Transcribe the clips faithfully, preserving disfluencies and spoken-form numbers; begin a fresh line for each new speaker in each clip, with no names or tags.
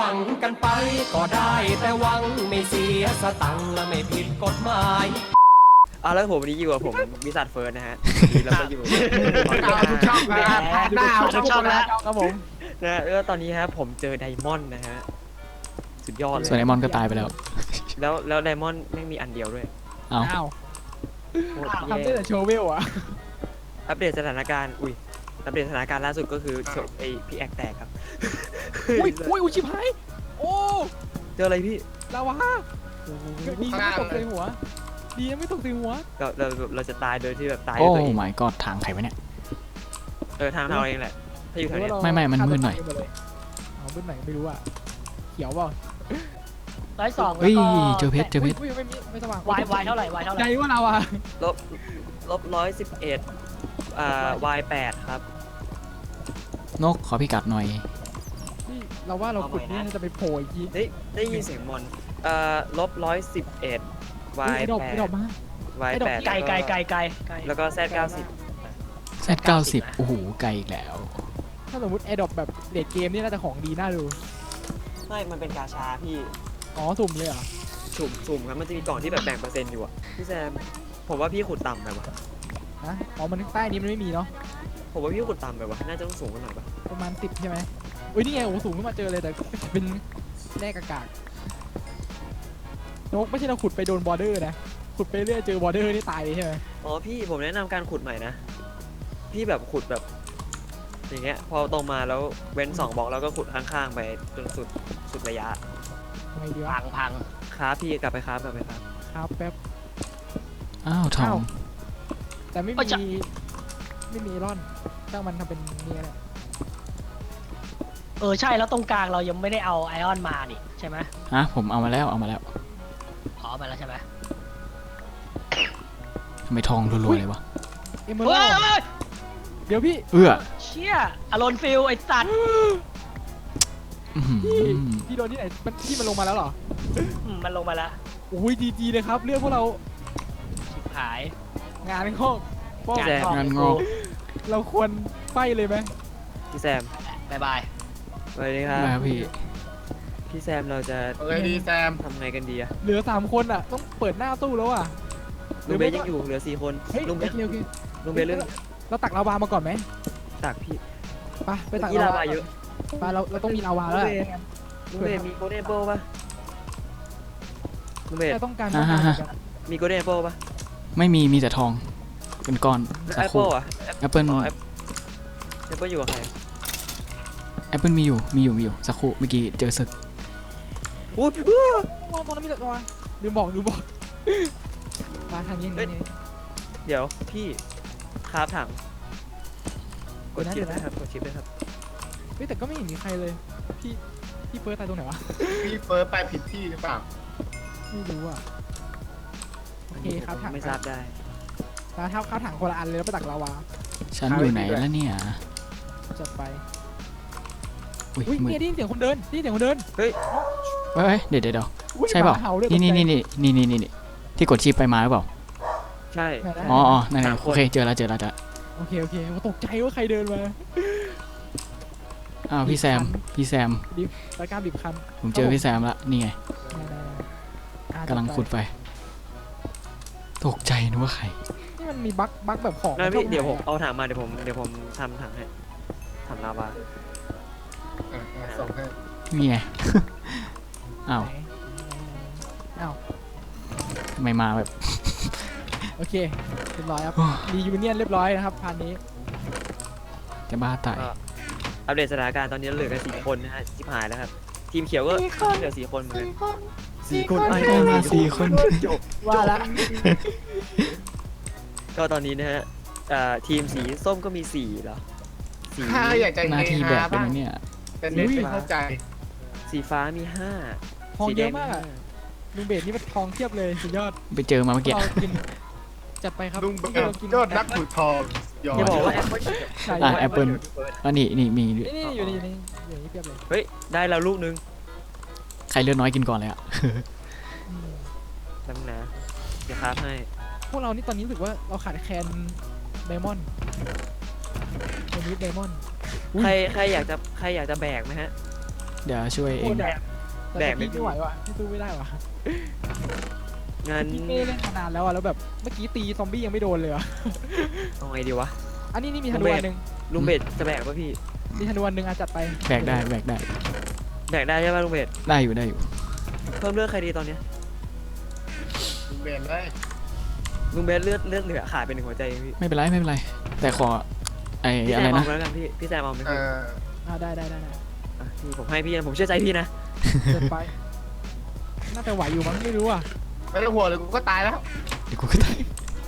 วังกันไปก็ได้แต่หวังไม่เสียสตังค์และไม่ผิดกฎหมายอ่ะแล้วผมวันนี้อยู่กับผมวิสัทเฟิร์สนะฮะแล้วก็อยู่
ทุกช่องครับหน้าทุกช่องแล้วครับผม
นะแล้วตอนนี้ฮะผมเจอไดมอนด์นะฮะสุดยอดเลย
ส่วนไดมอนด์ก็ตายไปแล้ว
แล้วแล้วไดมอนด์ไม่มีอันเดียวด้วย
อ้าว
ทำได้แต่โชว์เวลอะ
อัปเดตสถานการณ์อุ้ยอัปเดตสถานการณ์ล่าสุดก็คือไอพี่แอกแตกครับ
อุ้ยอุ้ยอุ้ยชิบหายโอ้
เจออะไรพี่
ลาวาดีไม่ตกใส่หัวดีไม่ตกใส่หัว
เราเราเราจะตายโดยที่แบบตาย
โอ้
ตัวเอง
my god ทางใครวะเนี่ย
เออทางเราเองแหละถ้าอยู่แถวนี้
ไม่ไม่มันมืดหน่อย
เอามืดหน่อยไม่รู้อะเขียวเปล่า
ร้อยสอง
เฮ้ยเจอเพชรเจอเพชร
ไม่มีไม่สว่าง
วายวายเท่าไหร่วายเท่าไหร่
ใจว่าเราอะ
ลบลบร้อยสิบเอ็ดอ่าวายแปดครับ
นกขอพิกัดหน่อย
เราว่าเราขุดนี่จะไปโผล่อีก
ได้ได้ยินเสียงมอนเอ่อลบร้อยสิบเอ็ดวายแปดวายแปด
ไกลไกลไกลไกล
แล้วก็แซดเก้าสิบ
แซดเก้าสิบโอ้โหไกลอีกแล้ว
ถ้าสมมติแอดดอปแบบเด็กเกมนี่น่าจะของดีน่าดู
ไม่มันเป็นกาชาพี่
อ๋อสุ่มเลยเหรอ
สุ่มสุ่มครับมันจะมีกล่องที่แบบแบ่งเปอร์เซ็นต์อยู่อะพี่แซมผมว่าพี่ขุดต่ำไปวะ
ฮะอ๋อมันใต้นี้มันไม่มีเนาะ
ผมว่าพี่ขุดต่ำไปวะน่าจะต้องสูงกว่าหน่อยปะ
ประมาณสิบใช่ไหมอุ้ยนี่ไงโอ้สูงขึ้นมาเจอเลยแต่เป็นแร่กากนกไม่ใช่เราขุดไปโดนบอร์เดอร์นะขุดไปเรื่อยเจอบอร์เดอร์นี่ตายเลยใช่ไหม
อ๋อพี่ผมแนะนำการขุดใหม่นะพี่แบบขุดแบบอย่างเงี้ยพอตรงมาแล้วเว้นสองบล็อกแล้วก็ขุดข้างๆไปจนสุดสุดระยะ
ทำไมดีวะ
พังพัง
ครับพี่กลับไปครับกลับไปครับ
ครับแป๊บ
อ้าวทอง
แต่ไม่มีไม่มีร่อนตั้งมันทำเป็นนี่แหละ
เออใช่แล้วตรงกลางเรายังไม่ได้เอาไอออนมาดิใช่ไหม
ฮะผมเอามาแล้วเอามาแล้ว
อ๋อมาแล้วใช่ไหม
ทำไมทองรวยๆเลยวะ
เอ็มเบอร์เดี๋ยวพี่
เอื้อ
เชี่ยอารอนฟิลไอสัตว์
พี่พี่โดนที่ไหนมันที่มันลงมาแล้วเหรอ
มันลงมาแล้ว
โอ้ยดีๆเลยครับเรื่องพวกเรา
ชิบหาย
งานงอก
งานงานงอก
เราควรไฟเลยไหม
พี่แซม
บายบาย
สวัสดีครับ
พี่
พี่แซมเราจะ
เอ้ยดีแซม
ทำไงกันดีอะ
เหลือสามคนอะต้องเปิดหน้าตู้แล้วอะ
ลุงเบย์ยังอยู่เหลือสี่คน
ลุงเบย์
ลุงเบย์เรื่อง
เราตักลาวามาก่อนไหม
ตักพี่
ไปไปตัก
ลาวาเยอะ
ไปเราเราต้องมีลาวาแล้ว
ลุงเบย์มีโกลเด้นแอปเปิลป่ะลุงเบย์
ต้องการ
มีโกลเด้นแอปเปิลป่ะ
ไม่มีมีแต่ทองเป็นก้อน
แอปเปิลอะ
แอปเปิล
แอปเปิลอยู่กับใคร
แอปเปิลมีอยู่มีอยู่มีอยู่สักครู่เมื่อกี้เจอศึก
โอ้
ยมองตรงนั้นมีแต่ตัวลืมบอกลืมบอกมาทางนี้นี่
เดี๋ยวพี่คาบถังกดชิปนะครับกดชิปเลยครับ
เฮ้ยแต่ก็ไม่เห็นมีใครเลยพี่พี่เฟิร์สตายตรงไหนวะ
พี่เฟิร์สไปผิดที่หรือเปล่า
ไม่รู้อ่ะโอเคครับถัง
ไม่ทราบได้
ตาเท้าข้าวถังคนละอันเลยแล้วไปตักลาวา
ฉันอยู่ไหนแล้วเนี่ย
จัดไป
อุ้ย
เนี่ยได้ยินเสียงคนเดินได้ยินเสียงคนเดิน
เฮ้ย
เฮ้ยเดี๋ยวเดี๋ยวใช่เปล่านี่นี่นี่นี่นี่นี่ที่กดชิปไปมาหรือเปล่า
ใช่
อ๋อนั่นไงโอเคเจอแล้วเจอแล้วจ้ะ
โอเคโอเคตกใจว่าใครเดินมา
อ้าวพี่แซมพี่แซม
ดิบตะการดิบคัน
ผมเจอพี่แซมละนี่ไงกำลังขุดไปตกใจนึกว่าใคร
นี่มันมีบั๊กบั๊กแบบของ
พี่เดี๋ยวผมเอาถังมาเดี๋ยวผมเดี๋ยวผมทำถังให้ถังลาวา
ส่งให้
นี่ไงอ้าว
อ้าว
ไม่มาแบบ
โอเคเรียบร้อยครับมียูเนียนเรียบร้อยนะครับพันนี้
จะบ้าตาย
อัปเดตสถานการณ์ตอนนี้เหลือกันสี่คนนะฮะชิบหายแล้วครับทีมเขียวก็เหลือสี่คนเหมือนกันสี่คนไอ้
มาสี่คน
จบ
ว่าละ
ก็ตอนนี้นะฮะทีมสีส้มก็มีสี่เหรอ
สีอยากจะ
หน้าที่แบบเป็นเนี่ย
เป็นไม่เข้าใจ
สีฟ้ามีห้า
ทองเยอะมากลุงเบสนี่มันทองเทียบเลยสุดยอด
ไปเจอมาเมื่อกี้
จัดไปครับ
ลุงเบสยอดนักขุดทอง
อย่าบอกว่าแอปเปิ้ล
อ่ะแอปเปิ้ลอันนี้นี่มี
นี่อยู่นี่อยู่นี่อยู่นี่เทียบเลย
เฮ้ยได้แล้วลูกนึง
ใครเลือดน้อยกินก่อนเลยอ่ะ
ตั้งนะเดี๋ยวครับให้
พวกเรานี่ตอนนี้รู้สึกว่าเราขาดแคลนไดมอนด์วันนี้ไดมอนด์
ใครใครอยากจะใครอยากจะแบกไหมฮะ
เดี๋ยวช่วยเอ
โอ้
ง
แดกแต่ตะกี้ไม่ไหวว่ะพี่สู้ไม่ได้ว่ะ
งาน
พี่ไม่ได้เล่นมานานแล้วอ่ะแล้วแบบเมื่อกี้ตีซอมบี้ยังไม่โดนเลยอ่ะ
เอาไงดีวะ
อันนี้นี่มีธนูอันหนึ่ง
ลุงเบสจะแบกป่ะพี่
มีธนูอันหนึ่งอ่ะจัดไป
แบกได้แบกได้
แบกได้ใช่ป่ะลุงเบส
ได้อยู่ได้อยู่
เพิ่มเลือดใครดีตอนเนี้ย
เปลี่ยนเลย
ลุงเบสเลือดเลือดเหลือขาดเป็นหนึ่งหัวใจเองพี่
ไม่เป็นไรไม่เป็นไร แต่ขอไอ้
พี่แซ
อะไร
มเอา
นะ
ไปแล้วกันพี่พี่แซมเอาไหม
เอ
พี่
อ
อ่าได้ได้ได้ได้
อ่ะพี่ผมให้พี่นะผมเชื่อใจพี่นะ
จัดไปน่าจะไหวอยู่มั้งไม่รู้อ่ะ
ไม่ต้องห่วงเลยกูก็ตายแล้ว
เดี๋ยวกูก็ได้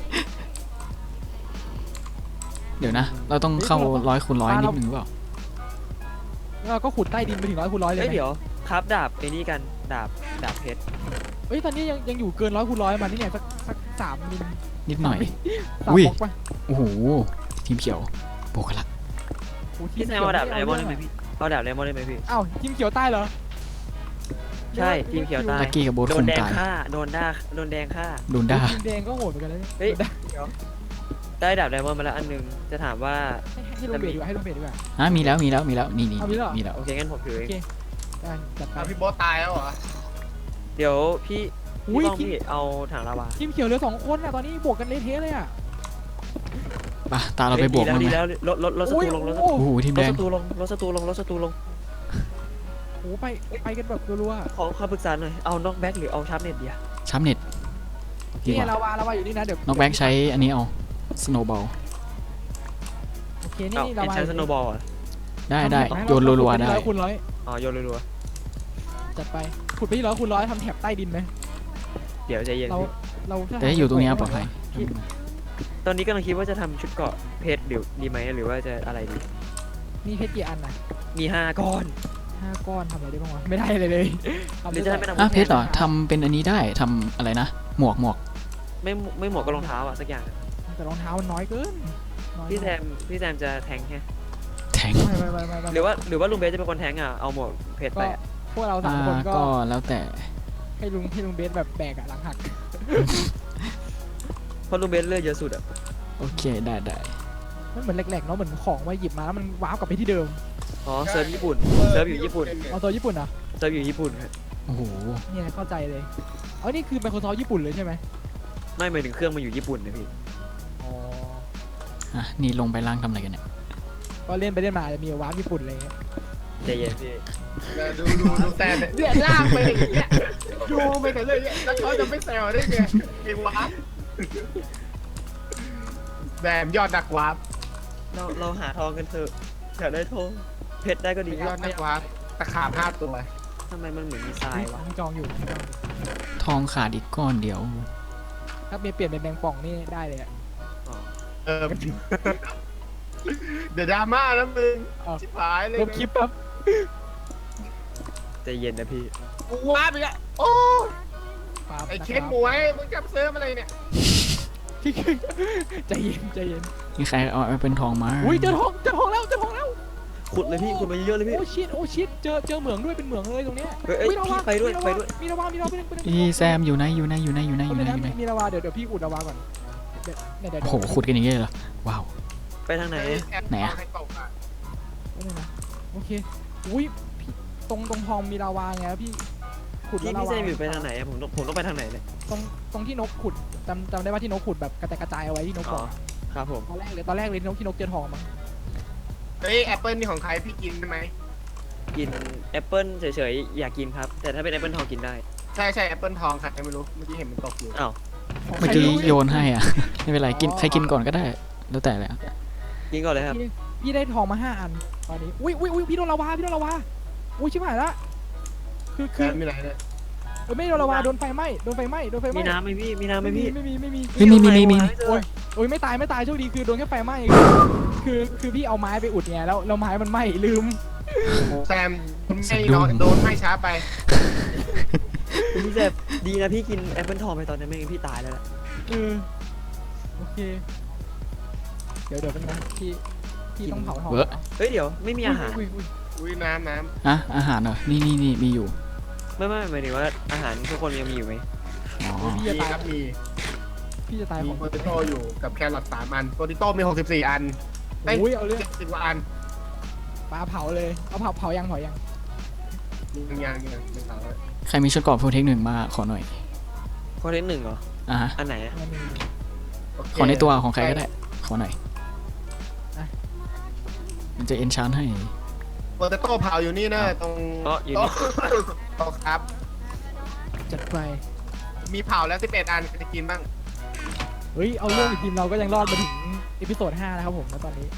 เดี๋ยวนะ เราต้องเข้าร้อยคูณร้อยนิดนึงหรือเปล่า
แล้วก็ขุดใต้ดินไปถึงร้อยคูณร้อยเลย
เฮ้ย
ไหม
เดี๋ยวครับดาบไอ้นี่กันดาบดาบเพชร
เฮ้ยตอนนี้ยังยังอยู่เกินร้อยคูณร้อยมานี่เนี่ยสักสักสามมิล
นิดหน่อย
สาม
อุ้ย
บล็อกไป
โอ้โหทีมเขียวโบกกันละ
โอ้ที
พี่แซม
ขียว
เอาดาบ
ม่
ไดมอนด์ได้ไหม
เรื่องะ
พี่เอาดาบไดมอนด์ได้ไหมพี่
อ้าวทีมเขียวใต้เหรอ
ใช่ทีมเขียวใต้
ลักกี้กับโบท
โด
คน ง
แดง
ตาย
ฆ่าโดนด่าโดนแดงฆ่า
โดนด่า
ทีมแดงก็โหดเหมือนกันเลย
เฮ้ย
โดนด่า
เดี๋ยวได้ดาบไดมอนด์มาแล้วอันนึงจะถามว่า
ให้ให้ลงเบสดีกว่าให้ลงเบสดีกว่า
อ่ะมีแล้วมีแล้วมีแล้วนี่นี่
เอามีแล้วเหรอ
มีแล้ว
โอเคงั้นผมถือเอง
ได้จัดไป
เอาพี่โบ๊ทตายแล้วเหรอ
เดี๋ยวพี่
อุ้
พี่
ย
ต้อง
ทีม
พี่เอาถังลาวา
ทีมเขียวเหลือสองคนอ่ะตอนนี้บวกกันเละเทะเลยอ่ะ
ไปตาเราไปบวก
ดี
มั้
แล้ว
ง
ดี
ไหม
แล้วลดลดลดศั
โอ้
ต
ย
รูลงลดศัต
โอ้
รู
โอ้โหทีม
ล
แด
ด
ง
ศัตรูลงลดศัตรูลงลดศัตรูลง
โหไปไปกันแบบรัวๆอะ
ขอคำปรึกษาหน่อยเอาน็อกแบ็กหรือเอาชาร์ปเน็ตดีอะ
ช้ำเน็ตดี
นี่
กว่า
ลาวาลาวาอยู่นี่นะเดี๋ยว
น้องแบ็กใช้อันนี้เอาสโนว์บอล
โอเคนี่
เอา
นี่
เอ็
ลาน วา
ชาร์สโนบอลอ่ะ
ได้ได้
ทำแถบให้
โยนรัวๆได้
ร้อยคูณร้อย
อ๋อโยนรัว
จัดไปขุดไปที่ร้อยคูณร้อยทำแถบใต้ดินไหม
ๆเดี๋ยวใจเย็น
เรา
พี่
เรา
แต่ถ้าอยู่ตรงเนี้ยปลอดภัย
ตอนนี้กำลังคิดว่าจะทำชุดเกราะเพชรหรือดีไหมหรือว่าจะอะไรดี
นี่เพชรกี่อันน่ะ
มีห้าก้อน
ห้าก้อนทำอะไรได้บ้างวะไม่ได้เลยเลยทำ
หรือจะทำเป็นอาวุ
อ่ะ
ธ
เพชรเหรอทำเป็นอันนี้ได้ทำอะไรนะหมวกหมวก
ไม่ไม่หมวกก็รองเท้าอ่ะสักอย่างอะ
แต่รองเท้ามันน้อยเกินน้อย
พี่แซมพี่แซมจะแทงแค่
แทง
ไม่ไม่ไม่ไม่ไม่
หรือว่าหรือว่าลุงเบสจะเป็นคนแทงอ่ะเอาหมวกเพชร
ก็
ไปอะ
พวกเราสา
อ่าม
คนก็
ก็แล้วแต่
ให้ลุงให้ลุงเบสแบบแบกอะหลังหัก
เพราะลุงเบสเลือดเยอะสุดอ่ะ
โอเคได้ได้
มันเหมือนแหลกๆเนาะเหมือนของมาหยิบมาแล้วมันว้าวกลับไปที่เดิม
อ๋อเซิร์ฟญี่ปุ่นเซิร์ฟอยู่ญี่ปุ่น
เอาตัวญี่ปุ่นเหรอ
เซิร์ฟอยู่ญี่ปุ่นครับ
โอ้โห
เนี่ยเข้าใจเลยเอานี่คือ Microsoft ญี่ปุ่นเลยใช่ไหม
ไม่หมายถึงเครื่องมันอยู่ญี่ปุ่นนะพี่
อ๋อ
อ่ะนี่ลงไปล่างทำอะไรกันเนี่ย
ก็เล่นไปเล่นมาจะมีว้าวญี่ปุ่นอะไรเงี้ย
ใจเย็นพี่
เดี๋ยวดูดูดูแต่เนี่ยลากไปอย่างเงี้ยดูไปแต่เลยเนี่ยแล้วเขาจะไม่แซวได้ไงไอ้วาร์ปแบมยอดนักวาร์ป
เราเราหาทองกันเถอะอยากได้ทองเพชรได้ก็ดี
ยอดนักวาร์ปตะขาบห้าตัว
ทำไมมันเหมือนมีทรายวะ
มีจองอยู่มีจองอยู่
ทองขาดอีกก้อนเดียว
ถ้าเปลี่ยนเป็นแมงป่องนี่ได้เลยอะ
อ๋อ
เออเดี๋ยวดราม่าแล้วมึงชิบหายเลย
ลบคลิปแป๊บ
ใจเย็นนะพี่
กูวาร์ปอีกแล้วโอ้
ปั๊บ
ไอ้
นะ
เคน
รับ
หมวยมึงจับเซิร์ฟอะไรเนี่ย
ใจเย็นใจเย็น
มีใครเอาไปเป็นทองมา
อุ้ยเจอทองเจอทองแล้วเจอทองแล้ว
ขุดเลยพี่ขุดมาเยอะๆเลยพี่
โอ้ชิดโอ้ชิดเจอเจอเหมืองด้วยเป็นเหมืองเลยตรงเนี้ย
เฮ้ยเอ้ย
อุ๊ระ
พี่
วัง
ไปด้วย
มีระ
ไปด้วย
มีระวามีระวาไปหนึ่งไปหนึ่ง
พี่แซมอยู่ไหนอยู่ไหนอยู่ไหนอยู่ไหนอยู่ไหนอยู่ไหน
มีระวาเดี๋ยวเดี๋ยวพี่อุดระวาก่อนเดี๋ยวเนี่ยเดี๋ยว
โอ้โหขุดกันอย่างเงี้ยเหรอว้าว
ไปทางไหน
ไหนอะ
ให้ตกอะ
เดี๋ยวนะโอเคอุ้ยพี่ตรงตรงทองมีระวาไงแล้วพี่ขุด
พี่
แล้ว
พี่
ระ
เซ
วาม
อยู่ไปทางไหนอะผมต้องผมต้องไปทางไหนเนี่ย
ตรงตรงที่นกขุดจำจำได้ว่าที่นกขุดแบบกระจายกระจายเอาไว้ที่นก
อ๋
บ
อ
อก
ครับผม
ตอนแรกเลยตอนแรกเลยที่นกที่นกเจอทองมั้ง
เฮ้ยแอปเปิลนี่ของใครพี่กินได้ไหม
กินแอปเปิลเฉยๆอยากกินครับ แต่ถ้าเป็นแอปเปิลทองกินได้
ใช่ใช่แอปเปิลทองใครไม่รู้เมื่อกี้เห็นมันตกอยู่
อ้าว
ของ
เมื่อ
ใคร
กี้
รู้
โยนให้อ่ะ ไม่เป็นไรกินใครกินก่อนก็ได้ แล้วแต่เลยอะ
กินก่อนเลยครับ
พี่พี่ได้ทองมาห้าอันตอนนี้อุ้ยอุ้ยอุ้ยพี่โดนระวาพี่โดนระวาอุ้ยชิบหายละคือ
แค
คือ
มมีอะไรเนี่ย
เออไม่โดนระวาโดนไฟไหม้โดนไฟไหม้โดนไฟไหม้
มีน้ำไหมพี่มีน้ำไหม
ไม่มี
พี่
ไม่มีไม่มี
เฮ้ยมีมีมีมี
โอ้ยโอ้ยไม่ตายไม่ตายโชคดีคือโดนแค่ไฟไหม้คือคือพี่เอาไม้ไปอุดไงแล้วแล้วไม้มันไหม้ลืม
แซมไม่นอนโดนให้ช้าไป
พี่เซมดีนะพี่กินแอปเปิลทองไปตอนนั้นไม่งั้นพี่ตายแล้วแหละ
เออโอเคเดี๋ยวเดี๋ยวเป็นไงพี่พี่ต้องเผาทอง
เวอะ
เฮ้ยเดี๋ยวไม่มีอาหาร
อุ้ยอุ้ย
อุ้ยน้ำน้
อะอาหารเหรอนี่นี่นี่มีอยู่
ไม่ไม่หมายถึงว่าอาหารทุกคนยังมีอยู่ไหม
อ๋อ
อุ้ย
ำ
พี่
มี
จะตาย
ครับมี
พี่จะตาย
มี
ของ
โปเตโต้อยู่กับแครอทสามอันโปเตโต้มีหกสิบสี่อัน
อุ้ยเอาเรื่อง
เจ็ดสิบกว่าอัน
ปลาเผาเลยเอาเผาเผายังเผายัง
ยังยังยังไม่เอาเลย
ใครมีชุดเกราะโปรเทคหนึ่งมาขอหน่อย
ข้อที่หนึ่งเหรอ
อ่ะฮะ
อันไหนอะ
งั้นนี่
โเค
ขอในตัวของใครก็ได้ขอหน่อย
อ่ะ
มันจะเอนชานให้
โปเตโต้เผาอยู่นี่นะตรง
อ๋ออยู่นี่
โต๊ะครับ
จัดไป
มีเผาแล้วสิบเอ็ดอันใครจะกินบ้าง
เฮ้ยเอาเรื่องทีมเราก็ยังรอดมาถึงเอพิโซดห้านะครับผมณตอนนี้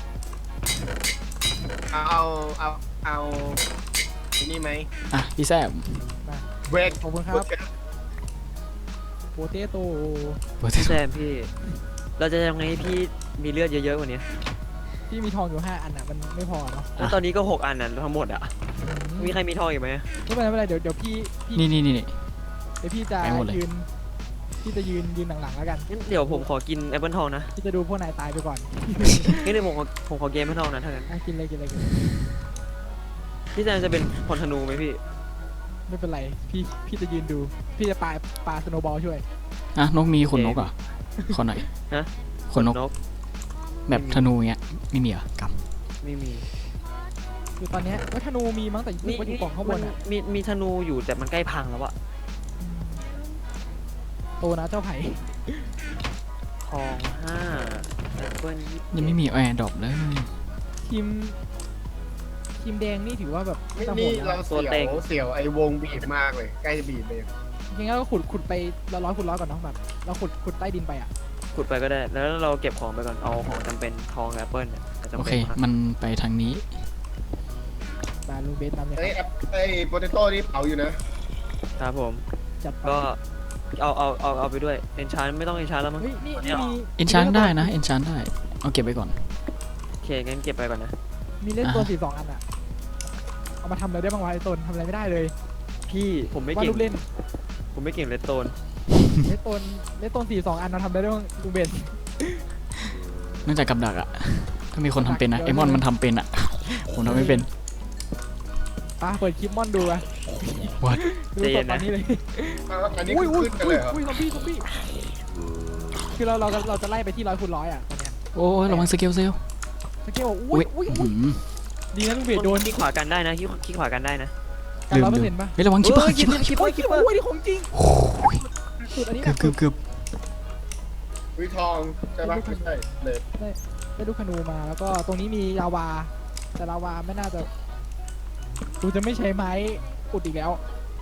เอาเอาเอาเอาอันนี่ไหม
อ่ะพี่แซม
เบรก
ขอบคุณครับโปเตโต้
โปรเทค
แซมพี่ เราจะยังไงให้พี่มีเลือดเยอะๆกว่านี้
ที่มีทองอยู่ห้าอันอ่ะมันไม่พอเนาะ
แล้วตอนนี้ก็หกอันนั้นทั้งหมดอะมีใครมีทองอีกไหม
ไม่เป็นไรไม่เป็นไรเดี๋ยวเดี๋ยวพี่พี่
นี่นี่นี่นี่
เดี๋ยวพี่จะ
ไปหมดเลย
ยืนพี่จะยืนยืนหลังๆแล้วกัน
งั้นเดี๋ยวผมขอกินแอปเปิลทองนะ
พี่จะดูพวกนายตายไปก่อน
งั้นเดี๋ยวผมขอผมขอเกมแอปเปิลทองนะถ้างั้น
อ่ะกินเลยกินเลยกินเลย
พี่แซมจะเป็นพลธนูไหมพี่
ไม่เป็นไรพี่พี่จะยืนดู พี่จะปาปาสโนว์บอลช่วย
อ่ะนกมีขนนกเหรอ่ะขอหน่อย
ฮะ
ขนนก
นก
แบบธนูเงี้ยไม่มีเหรอก
ไม่มี
คือตอนเนี้ยว่าธนูมีมั้งแต่นึกว่าอยู่กล่องข้างบน
มั
อ่ะ
มีมีธนูอยู่แต่มันใกล้พังแล้วอะ
อืมโตนะเจ้าไผ่
ทองห้าแอปเปิลยี่
ำยังไม่มีแอร์ดรอปเลย
ทีมทีมแดงนี่ถือว่าแบบ
นี่
จะโห
นี่
ดแล้
เรา
ว
เสียวเสียวไอ้วงบีบมากเลย ใกล้จะบีบเลย
จริงๆแล้วก็ขุดขุดไปเราร้อยขุดร้อยก่อนเนาะแบบเราขุดขุดใต้ดินไปอ่ะ
ขุดไปก็ได้ แล้วเราเก็บของไปก่อนเอาของจำเป็นทองแอปเปิลเนี่ยแต่จำ
โอ
เป็
เคน
มาก
มันไปทางนี้
บาลูเบสนำเลย
ไอ้
ครับ
ไอ้โปเตโต้นี่เผาอยู่นะครับ
ผม
จัดไป
ก็เอาเอาเอาเอาไปด้วยเอนชานไม่ต้องเอนชานแล้วมั้ง
เฮ้ยนี่นี่มี
เอนชานได้นะเอนชานได้เอาเก็บไว้ก่อน
โอเคงั้นเก็บไปก่อนนะ
มีเล่นตัว
อ่ะ
สี่สองอันอ่ะเอามาทำอะไรได้บ้างวะไอ้ตนทำอะไรไม่ได้เลย
พี่ผมไม่
ว่า
เก่ง
ลูกเล่น
ผมไม่เก่งเลตโตน
เล่นตนเล่นตนสี่สองอันเราทำได้ด้วยลูกเบน
เนื่องจากกับดักอะถ้ามีคนทำเป็นนะ
เดี๋
ไอ
ยว
มอนมันทำเป็นอะผมทำไม่เป็น
ป้าเปิดคลิปมอนดูอะ
What?
ดูสดตอนนี้เลย
อ้าวอันนี้
อุ้ย
คือ
อุ้ย
ขึ้นกันเลยเหรอ
อุ้ยซอมบี้ซอมบี้คือเราเราเราจะไล่ไปที่ร้อยคูณร้อยอ่ะตอนเนี้ย
โอ้ยระวังสเกลเซล
สเกลอุ้ยอุ้ย
อื้อ
อุ้ย
หือ
ดีนะลูกเบนโดน
คลิกขวากันได้นะคลิกคลิกขวากันได้นะ
กันร้อยเปอร์เซ็นต์ป่ะ
เฮ้ยระวังคิปเปอร์
เออ
คิปเปอร์
คิปเปอร์คิปเปอร์
อุ้ยนี่ของจริง
โอ้ย
สุดอันนี้
เกือบเกือบเกือบ
วิทองใช่ปะไม่ใช่เลย
ได้ลูกธนูมาแล้วก็ตรงนี้มีลาวา แต่ลาวาไม่น่าจะกูจะไม่ใช้ไม้อุดอีกแล้ว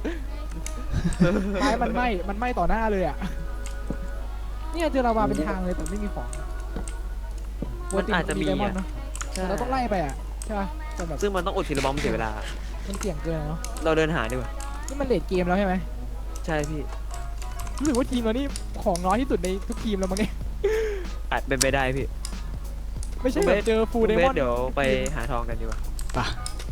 ไม้มันไหม้มันไหม้ต่อหน้าเลยอ่ะเนี่ยเจอลาวาเป็นทางเลยแต่ไม่มีของ
มันอาจจะมี
ไดมอ
อะ
นด์เนาะ
ใช่
แต่เราต้องไล่ไปอ่ะใช่ป่ะแต่แบบ
ซึ่งมันต้องอุดทีละบอมเสียเวลา
มันเสี่ยงเกินอะเนาะ
เราเดินหาดีกว่า
นี่มันเลดเกมแล้วใช่ไหม
ใช่พี่
รู้สึกว่าทีมเรานี่ของน้อยที่สุดในทุกทีมแล้วมั้งเนี่ย
อาจเป็นไปได้พี่
ไม่ใช่แบบเจอฟูล
คุณ
ได
เบ
มอ
ส
นด์
เดี๋ยวไปหาทองกันดีกว่า
ป่ะ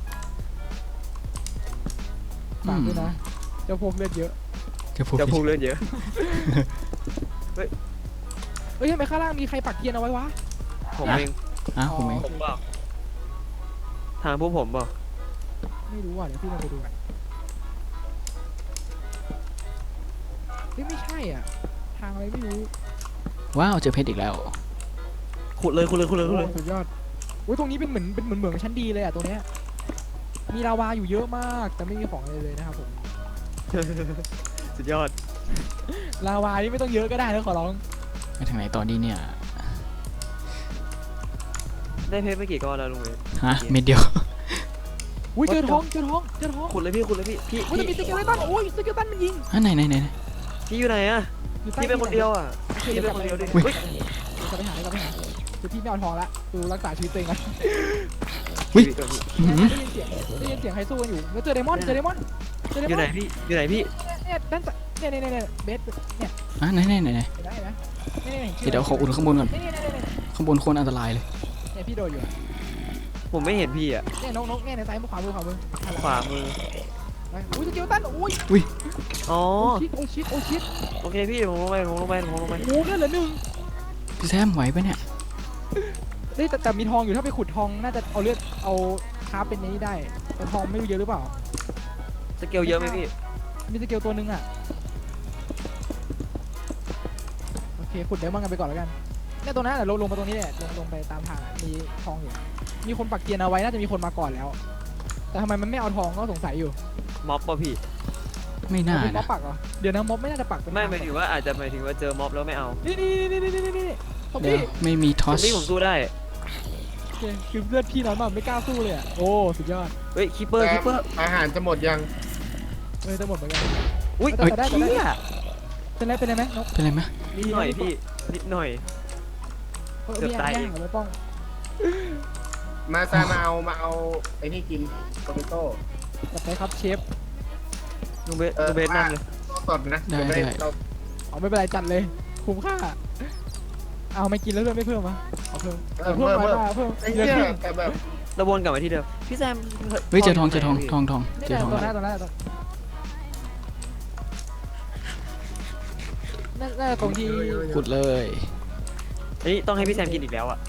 ฝากด้วยนะเจ้าพวกเลือดเยอะ
จะพูด
จะพูดเรื่องเยอะ
เอ้ยทำไมข้างล่างมีใครปักเทียนเอาไว้วะ
ผมเอง
อ่ะผมเอง
ผมเปล่าทางพวกผมเปล่า
ไม่รู้อ่ะเดี๋ยวพี่ลองไปดูกันเฮ้ยไม่ใช่อ่ะ ทางอะไรไม่รู้
ว้าวเจอเพชรอีกแล้ว
ขุดเลยขุดเลยขุดเลยขุดเลย
โอ้สุดยอดอุ้ยตรงนี้เป็นเหมือนเป็นเหมือนเหมืองชั้นดีเลยอ่ะตรงเนี้ยมีลาวาอยู่เยอะมากแต่ไม่มีของอะไรเลยนะครับผม
สุดยอด
ลาวานี่ไม่ต้องเยอะก็ได้นะขอร้อง
ไปทางไหนต่อดีเนี่ย
ได้เพชรไปกี่ก้อนแล้วลุงเวส
ฮะเม็ดเดียว
อุ้ยเจอทองเจอทองเจอทอง
ขุดเลยพี่ขุดเลยพี่พี่
อุ้ยแต่มีส
พี่
เกลตันโอ้ยสเกลตันมันยิง
อ่ะไหนไหนไหนไหน
พี่อยู่ไหนอะ
อยู่ใต้
พี่เป็นคนเดียวอะพี่เป็นคนเดียวดิ
อุ๊ย
เฮ้ย
จะไปหาจะไปหาคือพี่ไม่เอาทองละดูรักษาชีวิตตัวเองกัน
อุ๊ย
พี่ก่อนพี่
อื้อหือ
ได้ยินเสียงได้ยินเสียงใครสู้กันอยู่แล้วเจอไดมอนด์เจอไดมอนด์เจอได
อยู่
ม
ไหน
อนด์
พี่อยู่ไหนพี่
เนี่ยด้านซ้ายเนี่ยเนี่ยเนี่ยเบสเนี่ย
อ่ะไหนไหนไหนไหน
เห็นได้ไหมเนี่ยเนี่ย
เดี๋ยวขออุ่นข้างบนก่อน
เนี่ยเนี่ยเนี่ย
ข้างบนโคตรอันตรายเลย
เนี่ยพี่โดนอยู่
ผมไม่เห็นพี่อะ
เนี่ยนกนกเนี่ยในซ้ายมือขวามือขวามือ
ขวามือ
ไปอุ้ยสเกลตันอุ้ย
อ๋อ
โอ้ชิดโอ้ชิดโอ้ชิด
โอเคพี่ผมลงไปผมลงไปผมลงไป
โอ้โหนั่นเหลือหนึ่ง
พี่แซมไหวปะเนี่ย
เฮ้ยแต่แต่มีทองอยู่ถ้าไปขุดทองน่าจะเอาเลือดเอาคาร์บเป็นในนี้ได้แต่ทองไม่รู้เยอะหรือเปล่า
สเกลเยอะไหมพี่
มีสเกลตัวหนึงอ่ะโอเคขุดเดี๋ยวมั่งกันไปก่อนแล้วกันเนี่ยตรงนั้นน่ะลงลงมาตรงนี้แหละลงลงไปตามทางอะมีทองอยู่มีคนปักเกียร์เอาไว้น่าจะมีคนมาก่อนแล้ว แต่ทำไมมันไม่เอาทองก็สงสัยอยู่
ม็อบป่ะพี่
ไม่น่า
เป็นม็อ
นะ
บปักเหรอเดี๋ยวนะม็อบไม่น่าจะปักเป็น
ไม่หมายถึงว่าอาจจะหมายถึงว่าเจอม็อบแล้วไม่เอา
นี่นี่นี่นี่นี่นี่ซอม
เดี๋ย
บี้
วไม่มีทอ
ซอ
ส
มบี้ผมสู้ได้
โอเคคือเลือดพี่น้อยมากไม่กล้าสู้เลยอ่ะโอ้สุดยอด
เฮ้ยคิปเปอร์คิปเปอร์
อาหารจะหมดยัง
เออจะหมดเหมือนกัน
อุ้ย
แต่แต่ได้แต่ได้
เหี้ย
เป็นไรเป็นไรไหมนก
เป็นไรไหม
นิดหน่อยพี่นิดหน่อย
เออ
เกือบ
มี
ตาย
ย่างเหรอป้อง
มาซามาเอามาเอาไอ้นี่กินโปเตโต้
จัดไปครับเชฟ
ลุงเบสลุงเบสนั่งเลย
สดนะเดี๋ยวไม่ได้เรา
เอาไม่เป็นไรจัดเลยคุ้มค่าเอาไม่กินแล้วเลือดไม่เพิ่มมะเอาเพิ่ม
เออ
เพิ่ม
เพิ่ม
มา
เพิ่ม
เพิ่ม
ไอ้
เลือด
เนี่ย
ขึ้น
แต่แบบ
เราวนกลับมาที่เดิมพี่แซม
เฮ้ยเจอทองเจอทองทองทอง
นี่
เจ
แห
อ
ละ
ทอง
ตัวห
แล้
น้าว ตัวหน้าตัวน่าน่าจะตรงที่
ขุดเลย
อันนี้ต้องให้พี่แซมกินอีกแล้วอ่ะ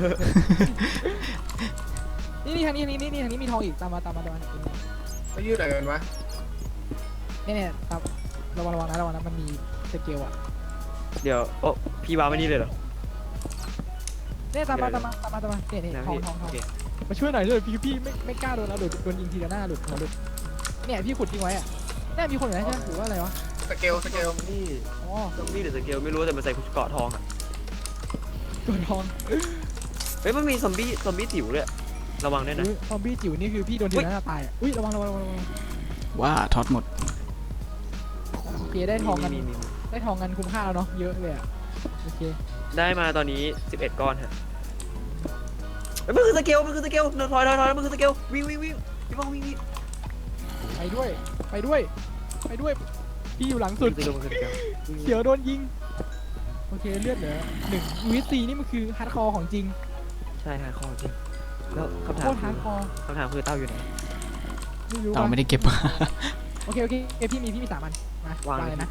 นี่นี่ทางนี้ทางนี้นี่นี่ทางนี้มีทองอีกตามมาตามมาตามมา
ไม่ยืดอะไรกันวะ
เนี่ยเนี่ยตามระวังระวังนะระวังนะมันมีสเกลอ่ะ
เดี๋ยวโอ้พี่วางไว้นี่เลยเหรอ
เนี่ยตามมาตามมาตามมาตามมาเนี่ยเนี่ย
นะ
ทอง
พี่
ทองท
โอ
อง
เค
มาช่วยหน่อยเลยพี่พี่ไม่ไม่กล้าโดนแล้วโดนโดนยิงทีละหน้าหลุดหัวหลุดเนี่ยพี่ขุดทิ้งไว้อ่ะเนี่ยมีคนอยู่นะใช่ไหมหรือว่าอะไรวะ
สเกลสเกล
นี่
อ๋อ
ซอมบี้หรือสเกลไม่รู้แต่มันใส่เกราะทองอ่ะ
ตัวทอง
เฮ้ยมันมีซอมบี้ซอมบี้ติ๋วด้วยระวังด้วยนะ
อุ๊ยซอมบี้จิ๋วนี่คือพี่โดนทีละหน้าตายอ่ะอุ้ยระวังระวังระวังระวัง
ว่าทอสหมด
โอเคได้ทองกัน
มีมีมี
ได้ทองกันคุ้มค่าแล้วเนาะเยอะเลยอ่ะโอเค
ได้มาตอนนี้สิบเอ็ดก้อนฮะเฮ้ยมันคือสเกลมันคือสเกลถอยถอยถอยถอยมันคือสเกลวิ่งวิ่งวิ่งพี่บ้องวิ่งวิ่ง
ไปด้วยไปด้วยไปด้วยพี่อยู่หลังสุด
สเกลมันคือสเกลวิ่งวิ่ง
เขียวโดนยิงโอเคเลือดเหลือหนึ่งวิซีนี่มันคือฮาร์ดคอร์ของจริง
ใช่ฮะคอจริงแล้วคำถา
โค
ม
ตร
คื
ฮา
อ
ร์ดคอร์
คำถามคือเต้าอยู่ไหน
ไม่รู้
เรา
ว่ะ
ไม่ได้เก็บมา
โอเคโอเคเอยพี่มีพี่มีสามอันมาว
าง
วางเลยนะ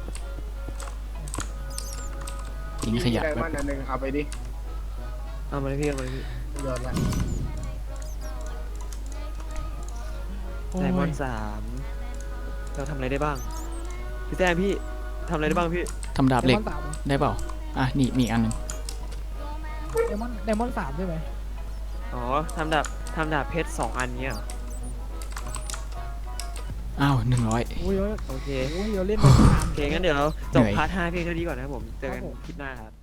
ทิ้งขยะ
ได
ไว้
มอนด์อันหนึ่งเอาไปดิ
เอามาเลยพี่เอามาเลยพี่
โยนละ
โอ้
ไดมอน
ย
ด์สามเราทำอะไรได้บ้างพี่แต้มพี่ทำอะไรได้บ้างพี่
ทำดาบเหล็ก
ไดมอนด์สาม
ได้เปล่าอ่ะนี่มีอีกอันหนึง
ไดมอนด์ไดมอนด์สามใช่ไหม
อ๋อทำดาบทำดาบเพชรสองอันเนี้ยเหรอ
อ้าวหนึ่งร้อย
โอ้ยโอ้ย
โอเค
โอ้ยเราเล่นมาสาม
โอเคงั้นเดี๋ยวเราจบ
เหนื่อย
พาร์ทห้าเพียงเท่านี้ก่อนนะครับผมเจอกัน
ครับผม
คลิปหน้าครับ